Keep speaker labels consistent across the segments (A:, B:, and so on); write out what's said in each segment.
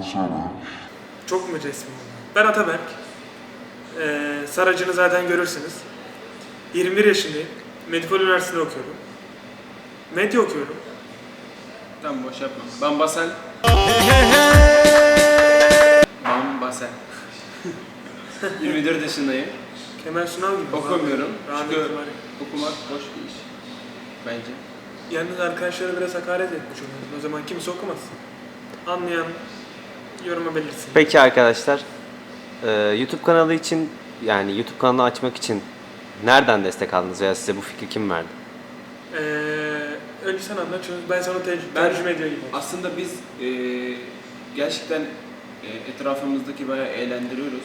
A: Çok mu resmi oldu? Ben Ataberk. Saracını zaten görürsünüz. 21 yaşındayım. Medipol Üniversitesi'nde okuyorum. Medya okuyorum.
B: Tamam, boş yapma. Ben Basel. Ben Basel. 24 yaşındayım.
A: Kemal Sunal gibi.
B: Okumuyorum.
A: Rahmetli
B: Çünkü
A: var.
B: okumak boş bir iş. Bence.
A: Yalnız arkadaşlara biraz hakaret etmiş oluyorsun. O zaman kimse okumazsın. Anlayan yoruma belirsin.
C: Peki arkadaşlar, YouTube kanalı için, yani YouTube kanalı açmak için nereden destek aldınız veya size bu fikri kim verdi?
A: Önce sen anlat çünkü ben sana
B: Ben-
A: tercüme ediyor gibi.
B: Aslında biz gerçekten etrafımızdaki bayağı eğlendiriyoruz.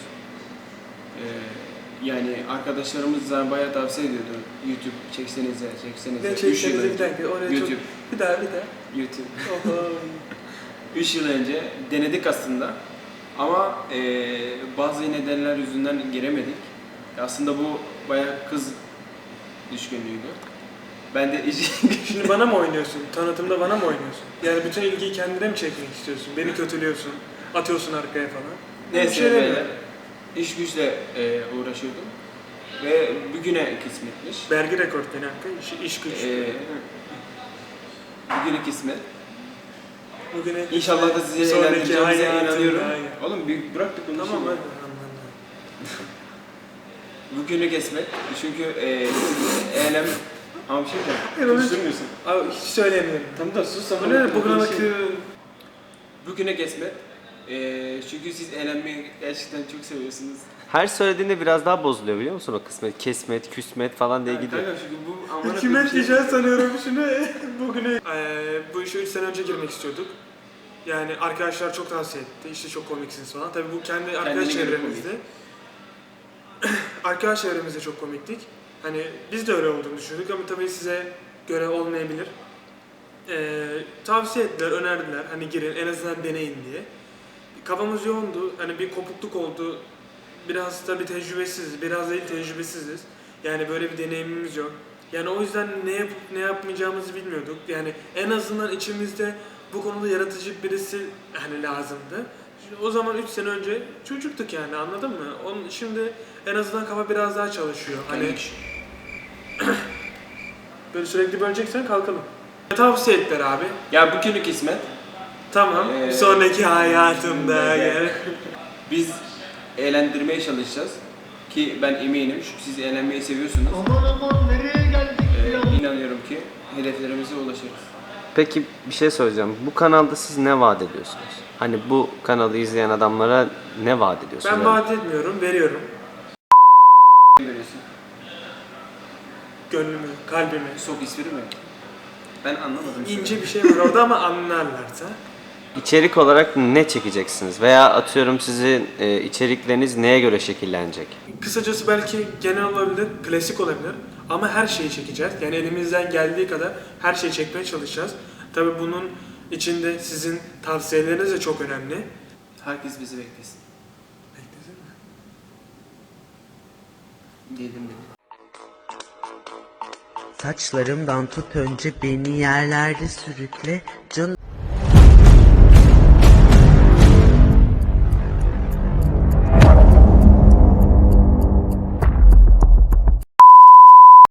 B: Yani arkadaşlarımız da bayağı tavsiye ediyordu. YouTube çeksenize.
A: Ne
B: 3 yıl
A: çeksenize bir
B: önce.
A: dakika oraya
B: YouTube.
A: çok... Bir daha.
B: YouTube.
A: Oho.
B: 3 yıl önce denedik aslında. Ama bazı nedenler yüzünden giremedik. Aslında bu bayağı kız düşkünlüğüydü. Ben de
A: Şimdi bana mı oynuyorsun? Tanıtımda bana mı oynuyorsun? Yani bütün ilgiyi kendine mi çekmek istiyorsun? Beni kötülüyorsun, atıyorsun arkaya falan. Bir
B: neyse
A: şey
B: böyle
A: demiyorum.
B: iş güçle uğraşıyordum. Ve bugüne kısmetmiş.
A: Vergi rekortmeni hakkı, iş güç.
B: Bugüne kısmet.
A: Bugüne
B: İnşallah da size
A: sonraki
B: eğlendireceğimize
A: hayatımda,
B: inanıyorum.
A: aynen.
B: Oğlum bir bıraktık bunu.
A: Tamam
B: şimdi.
A: hadi anladım.
B: Bugünü kesmek. Çünkü eylem... Ama bir şey diyeceğim.
A: Evet.
B: Konuşturmuyorsun.
A: Abi hiç söylemiyorum.
B: Tamam da sus
A: Bu ne? Bugüne
B: Bugüne kesmek. Çünkü siz eğlenmeyi gerçekten çok seviyorsunuz.
C: Her söylediğinde biraz daha bozuluyor biliyor musun o kısmet, kesmet, küsmet falan diye
B: Yani
C: gidiyor.
B: kanka çünkü bu amına
A: Kime
B: koyayım şey-
A: diyeceğiz sanıyorum şunu. Bugüne. Bu işe 3 sene önce girmek istiyorduk. Yani arkadaşlar çok tavsiye etti. İşte çok komiksiniz falan. Tabii bu kendi arkadaş
B: Kendine göre
A: çevremizde. Arkadaş çevremizde çok komiktik. Hani biz de öyle olduğunu düşündük ama tabii size göre olmayabilir. Tavsiye ettiler, önerdiler. Hani girin, en azından deneyin diye. Kafamız yoğundu. Hani bir kopukluk oldu. Biraz tabii tecrübesiziz, biraz değil tecrübesiziz. Yani böyle bir deneyimimiz yok. Yani o yüzden ne yapıp ne yapmayacağımızı bilmiyorduk. Yani en azından içimizde bu konuda yaratıcı birisi hani lazımdı. O zaman 3 sene önce çocuktuk yani anladın mı? Şimdi en azından kafa biraz daha çalışıyor. Hani böyle sürekli böleceksen kalkalım. Tavsiye ettiler abi.
B: Ya bugünü kısmet.
A: Tamam. Sonraki hayatımda gel.
B: Biz eğlendirmeye çalışacağız. Ki ben eminim çünkü siz eğlenmeyi seviyorsunuz.
D: Aman nereye geldik ya?
B: İnanıyorum ki hedeflerimize ulaşırız.
C: Peki bir şey söyleyeceğim. Bu kanalda siz ne vaat ediyorsunuz? Hani bu kanalı izleyen adamlara ne vaat ediyorsunuz?
A: Ben vaat etmiyorum, veriyorum.
B: Görüyorsun.
A: Gönlümü, kalbimi.
B: Sok ismini mi? Ben anlamadım.
A: İnce bir şey var orada ama anlarlarsa.
C: İçerik olarak ne çekeceksiniz? Veya atıyorum sizin içerikleriniz neye göre şekillenecek?
A: Kısacası belki genel olabilir, klasik olabilir ama her şeyi çekeceğiz. Yani elimizden geldiği kadar her şeyi çekmeye çalışacağız. Tabii bunun içinde sizin tavsiyeleriniz de çok önemli.
B: Herkes bizi beklesin.
A: Beklesin mi?
B: Dedim.
E: Saçlarımdan tut önce beni yerlerde sürükle. Can